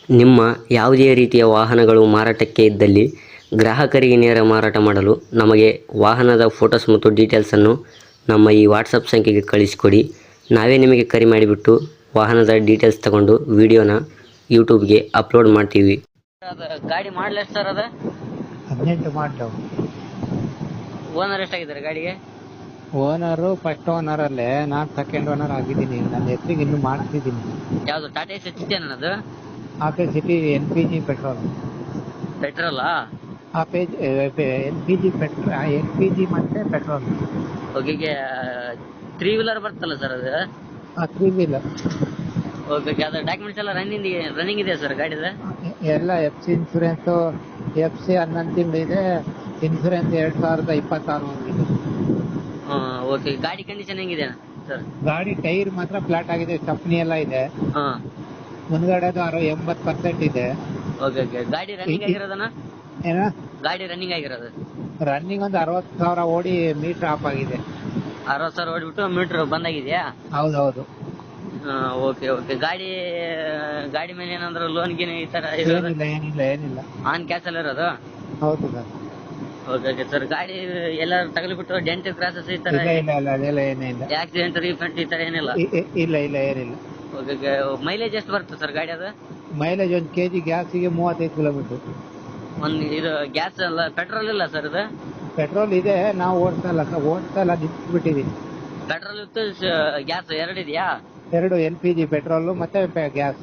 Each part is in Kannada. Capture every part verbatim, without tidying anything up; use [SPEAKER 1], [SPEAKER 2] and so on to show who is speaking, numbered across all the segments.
[SPEAKER 1] ನಿಮ್ಮ ಯಾವುದೇ ರೀತಿಯ ವಾಹನಗಳು ಮಾರಾಟಕ್ಕೆ ಇದ್ದಲ್ಲಿ ಗ್ರಾಹಕರಿಗೆ ನೇರ ಮಾರಾಟ ಮಾಡಲು ನಮಗೆ ವಾಹನದ ಫೋಟೋಸ್ ಮತ್ತು ಡೀಟೇಲ್ಸನ್ನು ನಮ್ಮ ಈ ವಾಟ್ಸಪ್ ಸಂಖ್ಯೆಗೆ ಕಳಿಸಿಕೊಡಿ. ನಾವೇ ನಿಮಗೆ ಕರೆ ಮಾಡಿಬಿಟ್ಟು ವಾಹನದ ಡೀಟೇಲ್ಸ್ ತಗೊಂಡು ವಿಡಿಯೋನ ಯೂಟ್ಯೂಬ್ಗೆ ಅಪ್ಲೋಡ್ ಮಾಡ್ತೀವಿ. ಗಾಡಿ ಮಾಡಲ್ ಎಷ್ಟು ಸರ್? ಅದ
[SPEAKER 2] ಹದಿನೆಂಟು ಮಾಡಲು.
[SPEAKER 1] ಓನರ್ ಎಷ್ಟಾಗಿದ್ದಾರೆ ಗಾಡಿಗೆ?
[SPEAKER 2] ಓನರು ಫಸ್ಟ್ ಓನರ್ ಅಲ್ಲೇ, ನಾನು ಸೆಕೆಂಡ್ ಓನರ್ ಆಗಿದ್ದೀನಿ. ನನ್ನ ಹೆಸರಿಗೆ ಇನ್ನೂ ಮಾಡ್ತಿದ್ದೀನಿ.
[SPEAKER 1] ಯಾವುದು ಟಾಟಾ ಎಸ್ ಸಿಟಿ ಅನ್ನೋದು?
[SPEAKER 2] Ape city L P G petrol.
[SPEAKER 1] ಪೆಟ್ರೋಲಾ?
[SPEAKER 2] Ape L P G petrol, L P G ಮತ್ತೆ ಪೆಟ್ರೋಲ್.
[SPEAKER 1] ಓಕೆ, ತ್ರೀ ವೀಲರ್ ಬರ್ತಲ್ಲ ಸರ್ ಅದು?
[SPEAKER 2] Three wheeler.
[SPEAKER 1] ಓಕೆ, ಅದು ಡಾಕ್ಯುಮೆಂಟ್ಸ್ ಎಲ್ಲ ರನ್ನಿಂಗ್ ರನ್ನಿಂಗ್ ಇದೆ ಸರ್ ಗಾಡಿದ?
[SPEAKER 2] ಎಲ್ಲ F C insurance, F C ಹನ್ನೊಂದು ತಿಂಗಳು ಇದೆ. ಇನ್ಸೂರೆನ್ಸ್ ಎರಡ್ ಸಾವಿರದ ಇಪ್ಪತ್ತಾರು ಇದೆ.
[SPEAKER 1] ಓಕೆ, ಗಾಡಿ ಕಂಡೀಷನ್ ಹೆಂಗಿದೆ ಸರ್?
[SPEAKER 2] ಗಾಡಿ ಟೈರ್ ಮಾತ್ರ ಫ್ಲಾಟ್ ಆಗಿದೆ, ಸ್ಟೆಪ್ನಿ ಎಲ್ಲ ಇದೆ.
[SPEAKER 1] ಹಾಂ,
[SPEAKER 2] ಮುಂದ್ಗಡೆದು ಅರೋ ಎಂಬತ್ತು ಪರ್ಸೆಂಟ್ ಇದೆ.
[SPEAKER 1] Okay okay. ಗಾಡಿ ರನ್ನಿಂಗ್ ಆಗಿರೋದನ್ನ?
[SPEAKER 2] ಏನ
[SPEAKER 1] ಗಾಡಿ ರನ್ನಿಂಗ್ ಆಗಿರೋದು?
[SPEAKER 2] ರನ್ನಿಂಗ್ ಒಂದು ಅರವತ್ತು ಸಾವಿರ ಓಡಿ ಮೀಟರ್ ಆಫ್ ಆಗಿದೆ.
[SPEAKER 1] ಅರವತ್ತು ಸಾವಿರ ಓಡಿಬಿಟ್ಟು ಮೀಟರ್ ಬಂದಾಗಿದೆಯಾ?
[SPEAKER 2] ಹೌದೌದು.
[SPEAKER 1] Okay okay. ಗಾಡಿ ಗಾಡಿ ಮೇಲೆ ಏನಾದ್ರು ಲೋನ್ ಗೀನ್ ಈ ತರ
[SPEAKER 2] ಏನಿಲ್ಲ ಏನಿಲ್ಲ ಏನಿಲ್ಲ
[SPEAKER 1] ಆನ್ ಕ್ಯಾಶ್ ಅಲ್ಲಿ ಇರೋದು?
[SPEAKER 2] ಹೌದು ಸರ್.
[SPEAKER 1] Okay okay sir. ಗಾಡಿ ಎಲ್ಲ ತಗಲಿಬಿಟ್ಟು ಡೆಂಟ್ ಕ್ರಾಸಸ್ ಈ ತರ
[SPEAKER 2] ಇಲ್ಲ ಇಲ್ಲ ಇಲ್ಲ ಅದೆಲ್ಲ ಏನಿಲ್ಲ.
[SPEAKER 1] ಆಕ್ಸಿಡೆಂಟ್ ರೀಫಂಟ್ ಈ ತರ ಏನಿಲ್ಲ?
[SPEAKER 2] ಇ- ಇ- ಇಲ್ಲ ಇಲ್ಲ ಏನಿಲ್ಲ.
[SPEAKER 1] ಓಕೆ. ಮೈಲೇಜ್ ಎಷ್ಟು ಬರುತ್ತೆ ಸರ್ ಗಾಡಿ ಅದು?
[SPEAKER 2] ಮೈಲೇಜ್ ಒಂದು ಕೆಜಿ ಗ್ಯಾಸಿಗೆ ಮೂವತ್ತೈದು ಕಿಲೋಮೀಟರ್.
[SPEAKER 1] ಒಂದು ಇದು ಗ್ಯಾಸ್ ಅಲ್ಲ, ಪೆಟ್ರೋಲ್ ಇಲ್ಲ ಸರ್ ಇದು?
[SPEAKER 2] ಪೆಟ್ರೋಲ್ ಇದೆ, ನಾವು ಓಡಿಸ್ತಾ ಇಲ್ಲ ಸರ್, ಓಡಿಸ್ತಾ ಇಲ್ಲ, ನಿಂತ್ಬಿಟ್ಟಿವಿ.
[SPEAKER 1] ಪೆಟ್ರೋಲ್ ಇತ್ತು, ಗ್ಯಾಸ್ ಎರಡು ಇದೆಯಾ?
[SPEAKER 2] ಎರಡು, ಎಲ್ ಪಿ ಜಿ ಪೆಟ್ರೋಲ್ ಮತ್ತೆ ಗ್ಯಾಸ್.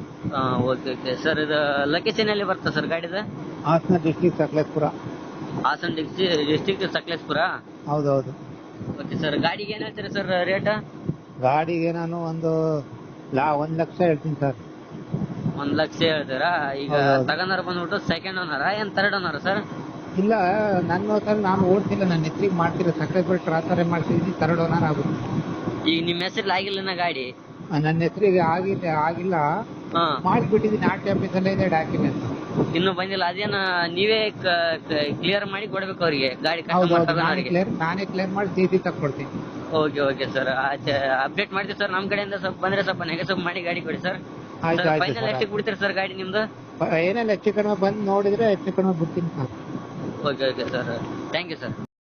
[SPEAKER 1] Okay okay sir. ಇದು ಲೊಕೇಶನ್ ಎಲ್ಲಿ ಬರುತ್ತೆ ಸರ್ ಗಾಡಿದ?
[SPEAKER 2] ಹಾಸನ ಡಿಸ್ಟಿಕ್ ಸಕಲೇಶ್ಪುರ.
[SPEAKER 1] ಹಾಸನ ಡಿಸ್ಟಿಕ್ ಸಕಲೇಶ್ಪುರ?
[SPEAKER 2] ಹೌದೌದು.
[SPEAKER 1] Okay sir. ಗಾಡಿಗೆ ಏನ್ ಹೇಳ್ತೀರಿ ಸರ್ ರೇಟ್?
[SPEAKER 2] ಗಾಡಿಗೆ ನಾನು ಒಂದು ಲಾ ಒಂದ್ ಲಕ್ಷ ಹೇಳ್ತೀನಿ ಸರ್.
[SPEAKER 1] ಒಂದ್ ಲಕ್ಷ ಹೇಳ್ತೀರಾ? ಈಗ
[SPEAKER 2] ಹೌದೌದು.
[SPEAKER 1] ತಗೊಂಡಾರ ಬಂದ್ಬಿಟ್ಟು ಸೆಕೆಂಡ್ ಓನರ ಏನ್ ಥರ್ಡ್ ಓನರ ಸರ್?
[SPEAKER 2] ಇಲ್ಲ, ನನ್ನ ಸರ್ ನಾನು ಓಡ್ತಿಲ್ಲ, ನನ್ನ ಹೆಸರಿಗೆ ಮಾಡ್ತಿರೋ ಸಕಲೇಶ್ಪುರ ಟ್ರಾನ್ಸ್ಫರ್ ಮಾಡ್ತಿದ್ದೀನಿ, ತರ್ಡ್ ಓನರ್ ಆಗುತ್ತೆ.
[SPEAKER 1] ಈಗ ನಿಮ್ಮ ಹೆಸರಲ್ಲಿ ಆಗಿಲ್ಲ ಗಾಡಿ?
[SPEAKER 2] ಆ, ನನ್ನ ಹೆಸರಿಗೆ ಆಗಿಲ್ಲ ಆಗಿಲ್ಲ
[SPEAKER 1] ಹಾ,
[SPEAKER 2] ಮಾಡಿಬಿಟ್ಟಿದ್ದೀನಿ. ಆರ್ ಟಿ ಆಫೀಸಲ್ಲೇ ಇದೆ ಡಾಕ್ಯುಮೆಂಟ್.
[SPEAKER 1] ಇನ್ನು ಬಂದಿಲ್ಲ? ಅದೇನ ನೀವೇ ಕ್ಲಿಯರ್ ಮಾಡಿ ಕೊಡ್ಬೇಕು ಅವ್ರಿಗೆ, ಗಾಡಿ
[SPEAKER 2] ಹೌದೌದು,
[SPEAKER 1] ಕಸ್ಟಮರ್
[SPEAKER 2] ನಾನೇ
[SPEAKER 1] ತಗೊಂಡವ್ರಿಗೆ?
[SPEAKER 2] ಕ್ಲಿಯರ್ ನಾನೇ ಕ್ಲಿಯರ್ ಮಾಡಿ ಸಿ ಸಿ ತಕ್ಕೊಡ್ತೀನಿ.
[SPEAKER 1] Okay okay sir. ಅಪ್ಡೇಟ್ ಮಾಡ್ತೀವಿ ಸರ್. ನಮ್ಮ ಕಡೆಯಿಂದ ಸ್ವಲ್ಪ ಬಂದ್ರೆ ಸ್ವಲ್ಪ ನೆಗೆಸಬ್ ಮಾಡಿ ಗಾಡಿ ಕೊಡಿ ಸರ್.
[SPEAKER 2] ಆಯ್ತು ಆಯ್ತು
[SPEAKER 1] ಫೈನಲ್
[SPEAKER 2] ಸರ್.
[SPEAKER 1] ಎಷ್ಟಕ್ಕೆ ಬಿಡ್ತೀರಿ ಸರ್ ಗಾಡಿ ನಿಮ್ದು?
[SPEAKER 2] ಏನೆಲ್ಲ ಹೆಚ್ಚು ಕಡಿಮೆ ಬಂದು ನೋಡಿದ್ರೆ ಹೆಚ್ಚು ಕಡಿಮೆ ಬಿಡ್ತೀನಿ sir.
[SPEAKER 1] Okay okay sir. Thank you sir.